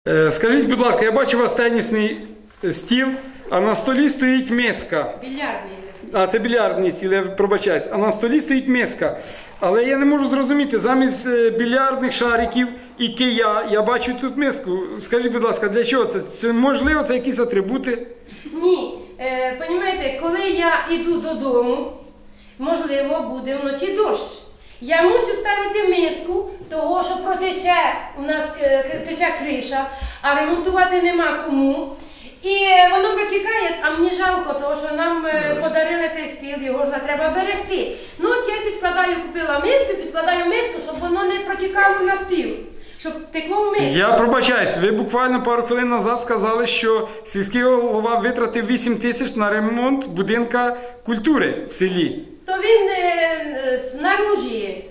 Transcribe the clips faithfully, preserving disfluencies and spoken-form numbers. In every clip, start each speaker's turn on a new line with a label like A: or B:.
A: Скажіть, будь ласка, я бачу у вас тенісний стіл, а на столі стоїть миска.
B: Більярдний це стіл.
A: А, це більярдний стіл, я пробачаюсь. А на столі стоїть миска. Але я не можу зрозуміти, замість більярдних шариків і кия, я бачу тут миску. Скажіть, будь ласка, для чого це? Це можливо, це якісь атрибути?
B: Ні. Е, понімаєте, коли я йду додому, можливо, буде вночі дощ. Я мусю ставити миску, того, що протече, у нас тече криша, а ремонтувати нема кому. І воно протікає, а мені жалко, тому що нам подарили цей стіл, його ж треба берегти. Ну от я підкладаю, купила миску, підкладаю миску, щоб воно не протікало на стіл, щоб текло в миску.
A: Я пробачаюсь, ви буквально пару хвилин назад сказали, що сільський голова витратив вісім тисяч на ремонт будинка культури в селі.
B: То він е, знаружі,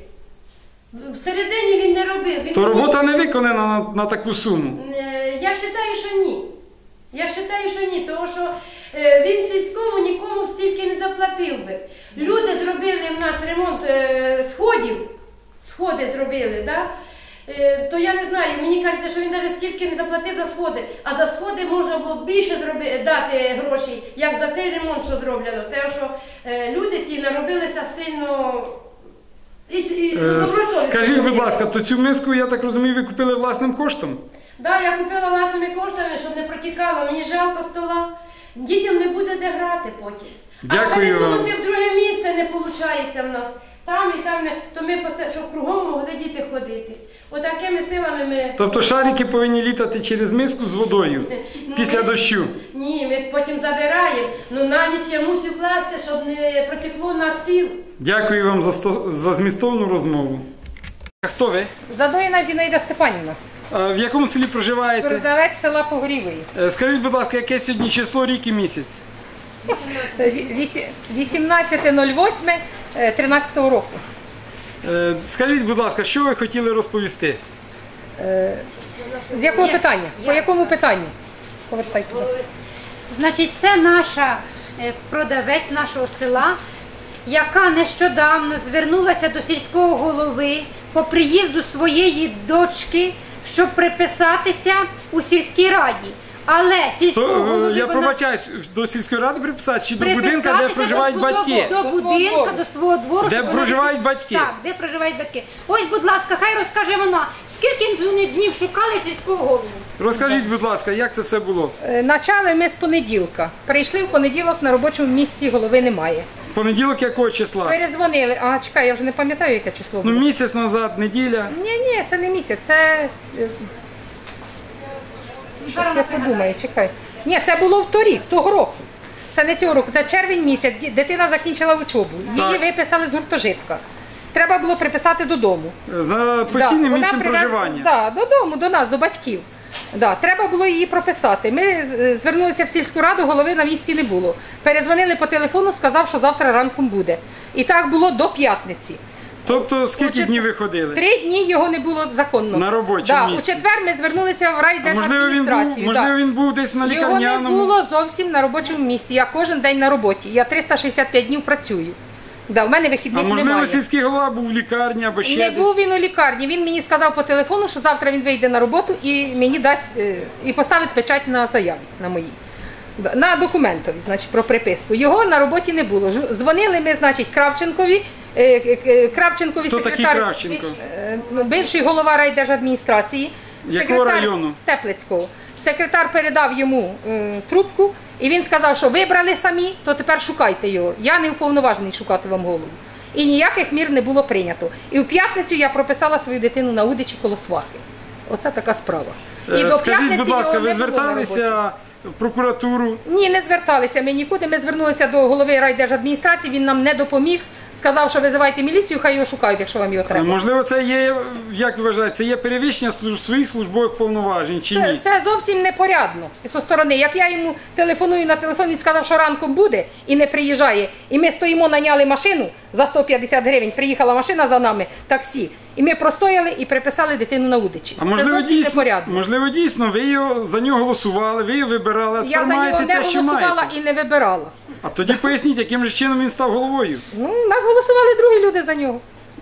B: всередині він не робив. Він
A: То робота не виконана на, на таку суму?
B: Е, я вважаю, що ні. Я вважаю, що ні, тому що е, він сільському нікому стільки не заплатив би. Люди зробили в нас ремонт е, сходів, сходи зробили, да? е, то я не знаю, мені кажеться, що він навіть стільки не заплатив за сходи, а за сходи можна було більше зроби, дати грошей, як за цей ремонт, що зроблено. Тому що е, люди ті наробилися сильно... І, і,
A: е, скажіть, будь ласка, то цю миску, я так розумію, ви купили власним коштом?
B: Так, да, я купила власними коштами, щоб не протікало. Мені жалко стола. Дітям не буде де грати потім.
A: Дякую
B: а пересунути
A: вам.
B: в друге місце не виходить в нас. Там і там не. То ми, щоб кругом могли діти ходити. Отакими силами ми...
A: Тобто шарики повинні літати через миску з водою
B: ну,
A: після
B: ми...
A: дощу?
B: Ні, ми потім забираємо. Ну на ніч я мусю класти, щоб не протекло на стіл.
A: Дякую вам за, сто... за змістовну розмову. А хто ви?
C: Задоїна Зінаїда Степанівна.
A: А в якому селі проживаєте?
C: Продавець села Погорілої.
A: Скажіть, будь ласка, яке сьогодні число, рік і місяць?
C: вісімнадцяте нуль восьме тринадцятого року.
A: Скажіть, будь ласка, що ви хотіли розповісти?
C: З якого питання? По якому питанню? Повертайте.
D: Значить, це наша продавець нашого села, яка нещодавно звернулася до сільського голови по приїзду своєї дочки, щоб приписатися у сільській раді. Але сільського
A: То,
D: голови
A: я
D: вона...
A: пробачаюсь, до сільської ради приписати чи до будинка, де проживають
D: до
A: батьки?
D: До будинка, до свого двору.
A: Де проживають
D: вона...
A: батьки?
D: Так, де проживають батьки. Ось, будь ласка, хай розкаже вона, скільки вони днів шукали сільського голову.
A: Розкажіть, будь ласка, як це все було?
C: Начали ми з понеділка. Прийшли в понеділок, на робочому місці голови немає.
A: Понеділок якого числа?
C: Перезвонили. А, чекай, я вже не пам'ятаю, яке число було.
A: Ну, місяць назад, неділя.
C: Ні, ні, це не місяць, це... Щас я подумаю, чекай. Ні, це було в торік, того року. Це не цього року, це червень місяць, дитина закінчила учобу. Її
A: Так.
C: виписали з гуртожитка. Треба було приписати додому.
A: За постійним
C: да,
A: місцем
C: привез...
A: проживання?
C: Так, да, додому, до нас, до батьків. Да, треба було її прописати. Ми звернулися в сільську раду, голови на місці не було. Перезвонили по телефону, сказав, що завтра ранком буде. І так було до п'ятниці.
A: Тобто скільки
C: чет...
A: днів ви ходили?
C: Три дні його не було законно.
A: На робочому
C: да,
A: місці?
C: У четвер ми звернулися в райдержадміністрацію.
A: Можливо, він був, можливо,
C: да.
A: він був десь на лікарняному?
C: Його не було зовсім на робочому місці. Я кожен день на роботі. Я триста шістдесят п'ять днів працюю. Да, в мене вихідних
A: А можливо,
C: немає.
A: сільський голова був в лікарні або ще
C: Не
A: десь?
C: був він у лікарні. Він мені сказав по телефону, що завтра він вийде на роботу і мені дасть і поставить печать на заяві на моїй. На документові, значить, про приписку. Його на роботі не було. Дзвонили ми, значить, Кравченкові. Кравченкові
A: Хто
C: секретар,
A: такий Кравченко?
C: бивший голова райдержадміністрації.
A: Якого району?
C: Теплицького. Секретар передав йому е, трубку, і він сказав, що вибрали самі, то тепер шукайте його. Я не уповноважений шукати вам голову. І ніяких мір не було прийнято. І в п'ятницю я прописала свою дитину на Удичі коло свахи. Оце така справа. І
A: до Скажіть, будь ласка, ви зверталися в прокуратуру?
C: Ні, не зверталися ми нікуди. Ми звернулися до голови райдержадміністрації, він нам не допоміг. Сказав, що визивайте міліцію, хай його шукають, якщо вам його треба.
A: Можливо, це є, як ви вважаєте, це є перевищення своїх службових повноважень чи ні?
C: Це, це зовсім непорядно зі сторони. Як я йому телефоную на телефон, він сказав, що ранком буде і не приїжджає. І ми стоїмо, наняли машину за сто п'ятдесят гривень, приїхала машина за нами, таксі. І ми простояли і приписали дитину на Удичі.
A: А можливо дійсно, можливо, дійсно, ви його, за нього голосували, ви його вибирали, а тепер маєте те, що маєте.
C: Я за нього не голосувала і не вибирала.
A: А тоді поясніть, яким же чином він став головою?
C: Ну, нас голосували другі люди за нього.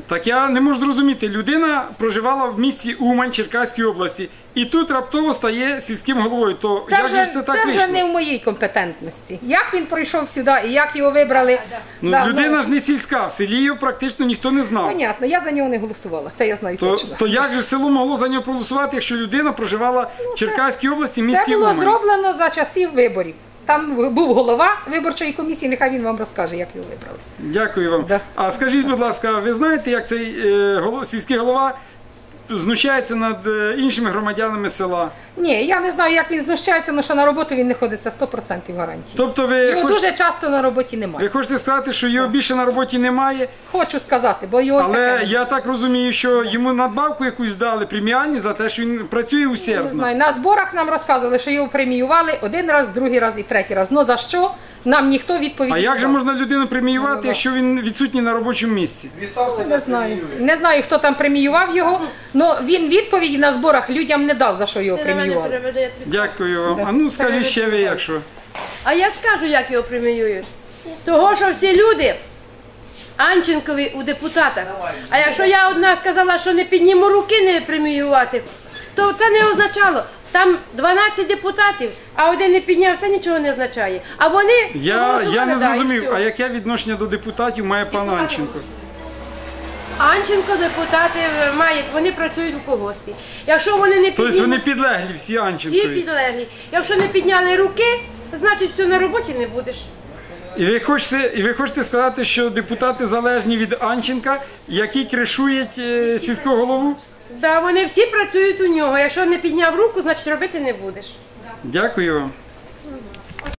A: Так я не можу зрозуміти, людина проживала в місті Умань Черкаської області і тут раптово стає сільським головою. То
C: Це
A: як
C: вже,
A: же ж це так
C: це
A: вийшло?
C: вже не в моїй компетентності. Як він прийшов сюди і як його вибрали?
A: Ну,
C: Да,
A: людина
C: ну,
A: ж не сільська, в селі його практично ніхто не знав.
C: Понятно, я за нього не голосувала, це я знаю
A: То,
C: точно.
A: то як же село могло за нього проголосувати, якщо людина проживала в Черкаській області, в
C: Це
A: місті
C: було
A: Умань?
C: зроблено за часів виборів. Там був голова виборчої комісії, нехай він вам розкаже, як його вибрали.
A: Дякую вам.
C: Да.
A: А скажіть, будь ласка, ви знаєте, як цей е, голов- сільський голова знущається над е, іншими громадянами села?
C: Ні, я не знаю, як він знущається, але що на роботу він не ходить, це сто відсотків гарантії.
A: Тобто ви,
C: Його
A: хоч-
C: дуже часто на роботі
A: ви
C: немає.
A: хочете сказати, що його більше на роботі немає,
C: Хочу сказати, бо його
A: але
C: таке...
A: я так розумію, що йому надбавку якусь дали, преміальні за те, що він працює
C: Не
A: усердно.
C: знаю, на зборах нам розказували, що його преміювали один раз, другий раз і третій раз. Ну за що? Нам ніхто відповіді
A: А
C: не
A: як же
C: дав.
A: можна людину преміювати,
C: Ну, да.
A: якщо він відсутній на робочому місці?
C: Не знаю. Не знаю, хто там преміював його, але він відповіді на зборах людям не дав, за що його
B: Ти на мене
C: преміювали.
B: переведи, я тобі скажу.
A: Дякую вам.
C: Да.
A: А ну скажіть ще ви, якщо.
B: А я скажу, як його преміюють. Того, що всі люди Анченкові у депутатах. А якщо я одна сказала, що не підніму руки не преміювати, то це не означало. Там дванадцять депутатів, а один не підняв, це нічого не означає. А вони
A: Я,
B: проголосували,
A: я не
B: да, і
A: зрозумів,
B: все.
A: а яке відношення до депутатів має пан Анченко?
B: Анченко депутати мають, вони працюють у колгоспі. Якщо вони не
A: Тобто
B: піднімуть,
A: вони підлеглі всі
B: всі
A: Анченкові.
B: підлеглі. Якщо не підняли руки, значить все на роботі не будеш.
A: І ви хочете, і ви хочете сказати, що депутати залежні від Анченка, які кришують е, сільського голову?
B: Да, вони всі працюють у нього. Якщо не підняв руку, значить робити не будеш.
A: Дякую вам.